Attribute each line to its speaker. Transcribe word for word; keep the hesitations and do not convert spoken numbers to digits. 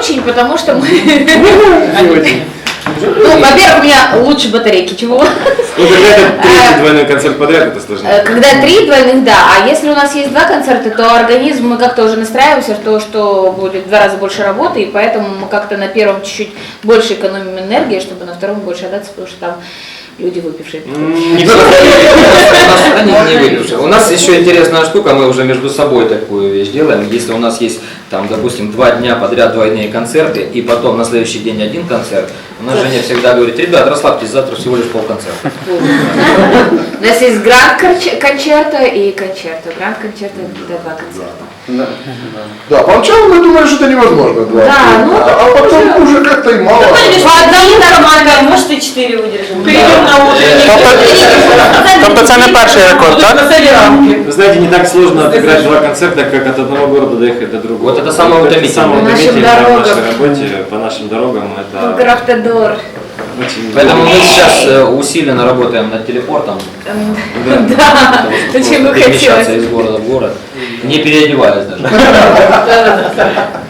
Speaker 1: очень, потому что мы... Ну, во-первых, у меня лучше батарейки, чего?
Speaker 2: Ну, когда это третий двойной концерт подряд, это сложнее.
Speaker 1: Когда три двойных, да. А если у нас есть два концерта, то организм, мы как-то уже настраиваемся в то, что будет в два раза больше работы, и поэтому мы как-то на первом чуть-чуть больше экономим энергии, чтобы на втором больше отдаться, потому что там люди выпившие.
Speaker 3: Не выпившие. У нас еще интересная штука, мы уже между собой такую вещь делаем. Если у нас есть, там, допустим, два дня подряд двойные концерты, и потом на следующий день один концерт, у нас Женя всегда говорит: ребят, расслабьтесь, завтра всего лишь полконцерта.
Speaker 1: У нас есть гранд-концерта и концерта. Гранд-концерта – это два концерта.
Speaker 4: Да, да, поначалу мы думали, что это невозможно. Два,
Speaker 1: да, ну,
Speaker 4: а, а потом уже, уже как-то и мало.
Speaker 1: Ну, одному нормально, может и четыре выдержим.
Speaker 5: Перейдем на утренний.
Speaker 6: Тобто це не перший рекорд, так?
Speaker 2: Вы знаете, не так сложно отыграть два концерта, как от одного города доехать до другого.
Speaker 3: Вот это самое утомительное.
Speaker 2: Самое
Speaker 1: По нашим
Speaker 2: утомительное в
Speaker 1: дорогам.
Speaker 2: нашей работе, по нашим дорогам, это
Speaker 1: Графтодор.
Speaker 2: очень...
Speaker 3: Поэтому мы сейчас э, усиленно работаем над телепортом,
Speaker 1: Да, зачем бы
Speaker 3: перемещаться
Speaker 1: хотелось.
Speaker 3: из города в город, не переодеваясь даже.